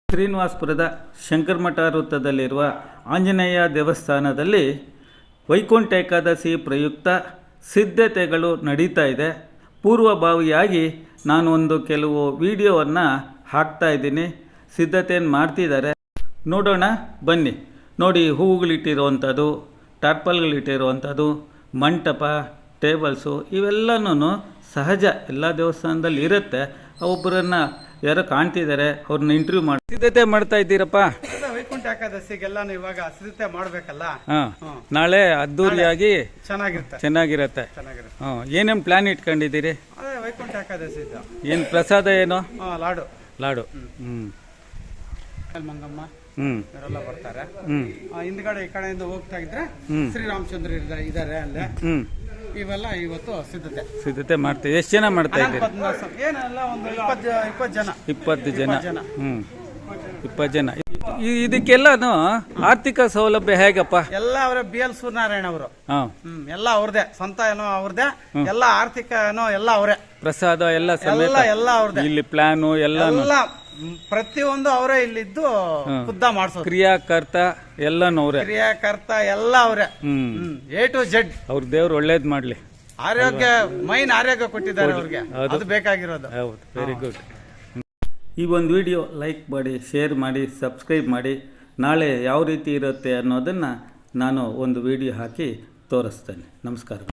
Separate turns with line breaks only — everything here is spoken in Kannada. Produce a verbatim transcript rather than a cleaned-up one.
ಶ್ರೀನಿವಾಸಪುರದ ಶಂಕರಮಠ ವೃತ್ತದಲ್ಲಿರುವ ಆಂಜನೇಯ ದೇವಸ್ಥಾನದಲ್ಲಿ ವೈಕುಂಠ ಏಕಾದಶಿ ಪ್ರಯುಕ್ತ ಸಿದ್ಧತೆಗಳು ನಡೀತಾ ಇದೆ. ಪೂರ್ವಭಾವಿಯಾಗಿ ನಾನು ಒಂದು ಕೆಲವು ವಿಡಿಯೋವನ್ನು ಹಾಕ್ತಾ ಇದ್ದೀನಿ. ಸಿದ್ಧತೆಯನ್ನು ಮಾಡ್ತಿದ್ದಾರೆ, ನೋಡೋಣ ಬನ್ನಿ. ನೋಡಿ, ಹೂವುಗಳಿಟ್ಟಿರುವಂಥದ್ದು, ಟಾರ್ಪಲ್ಗಳಿಟ್ಟಿರುವಂಥದ್ದು, ಮಂಟಪ, ಟೇಬಲ್ಸು ಇವೆಲ್ಲನೂ ಸಹಜ, ಎಲ್ಲ ದೇವಸ್ಥಾನದಲ್ಲಿ ಇರುತ್ತೆ. ಒಬ್ಬರನ್ನು ಯಾರೋ ಕಾಣ್ತಿದ್ದಾರೆ, ಅವ್ರನ್ನ ಇಂಟರ್ವ್ಯೂ ಮಾಡಿ ಸಿದ್ಧತೆ ಮಾಡ್ತಾ ಇದ್ದೀರಪ್ಪ.
ವೈಕುಂಠ ಏಕಾದಶಿಗೆಲ್ಲ ಇವಾಗ ಸಿದ್ಧತೆ ಮಾಡ್ಬೇಕಲ್ಲ.
ಹಾಂ, ನಾಳೆ ಅದ್ದೂರಿಯಾಗಿ
ಚೆನ್ನಾಗಿರುತ್ತೆ
ಚೆನ್ನಾಗಿರುತ್ತೆ
ಚೆನ್ನಾಗಿರುತ್ತೆ
ಹಾಂ, ಏನೇನು ಪ್ಲಾನ್ ಇಟ್ಕೊಂಡಿದ್ದೀರಿ?
ಅದೇ ವೈಕುಂಠ ಏಕಾದಶಿ
ಏನು ಪ್ರಸಾದ ಏನು?
ಲಾಡು
ಲಾಡು ಹ್ಞೂ
ಮಂಗಮ್ಮ
ಹ್ಞೂ
ಇವರೆಲ್ಲ ಬರ್ತಾರೆ.
ಹ್ಞೂ
ಹಿಂದ್ಗಡೆ ಈ ಕಡೆಯಿಂದ ಹೋಗ್ತಾ ಇದ್ರೆ ಶ್ರೀರಾಮಚಂದ್ರ ಇದ್ದಾರೆ ಅಲ್ಲೇ.
ಹ್ಞೂ
ಇವೆಲ್ಲ ಇವತ್ತು ಸಿದ್ಧತೆ
ಸಿದ್ಧತೆ ಮಾಡ್ತೀವಿ. ಎಷ್ಟು ಜನ ಮಾಡ್ತಾ ಇದ್ದೀರಿ?
ಏನೆಲ್ಲ ಒಂದು ಇಪ್ಪತ್ತು ಇಪ್ಪತ್ತು ಜನ
ಇಪ್ಪತ್ತು ಜನ ಹ್ಞೂ ಇಪ್ಪತ್ತು ಜನ. ಇದಕ್ಕೆಲ್ಲನು ಆರ್ಥಿಕ ಸೌಲಭ್ಯ ಹೇಗಪ್ಪ?
ಎಲ್ಲ ಅವರೇ ಬಿ ಎಲ್ ಸೂರ್ಯನಾರಾಯಣ ಅವರು.
ಹಾಂ,
ಹ್ಮ್ ಎಲ್ಲ ಅವ್ರದೇ, ಸ್ವಂತ ಏನೋ ಅವ್ರದೇ, ಎಲ್ಲ ಆರ್ಥಿಕ ಏನೋ ಎಲ್ಲ ಅವರೇ,
ಪ್ರಸಾದ ಎಲ್ಲ ಸಮೇತ
ಎಲ್ಲ ಎಲ್ಲ ಅವ್ರದೇ.
ಇಲ್ಲಿ ಪ್ಲಾನು ಎಲ್ಲ
ಎಲ್ಲ ಪ್ರತಿಯೊಂದು ಅವರೇ ಇಲ್ಲಿದ್ದು ಖುದ್ದ ಮಾಡಿಸೋದು.
ಕ್ರಿಯಾಕರ್ತ ಎಲ್ಲನೂ ಅವರೇ,
ಕ್ರಿಯಾಕರ್ತ ಎಲ್ಲ ಅವರೇ.
Hmm
A to Z.
ಅವ್ರ ದೇವ್ರು ಒಳ್ಳೇದ್ ಮಾಡ್ಲಿ.
ಆರೋಗ್ಯ, ಮೈನ್ ಆರೋಗ್ಯ ಕೊಟ್ಟಿದ್ದಾರೆ ಅವ್ರಿಗೆ, ಅದು ಬೇಕಾಗಿರೋದು.
ಹೌದು, ವೆರಿ ಗುಡ್. ಈ ಒಂದು ವಿಡಿಯೋ ಲೈಕ್ ಮಾಡಿ, ಶೇರ್ ಮಾಡಿ, ಸಬ್ಸ್ಕ್ರೈಬ್ ಮಾಡಿ. ನಾಳೆ ಯಾವ ರೀತಿ ಇರುತ್ತೆ ಅನ್ನೋದನ್ನು ನಾನು ಒಂದು ವಿಡಿಯೋ ಹಾಕಿ ತೋರಿಸ್ತೇನೆ. ನಮಸ್ಕಾರ.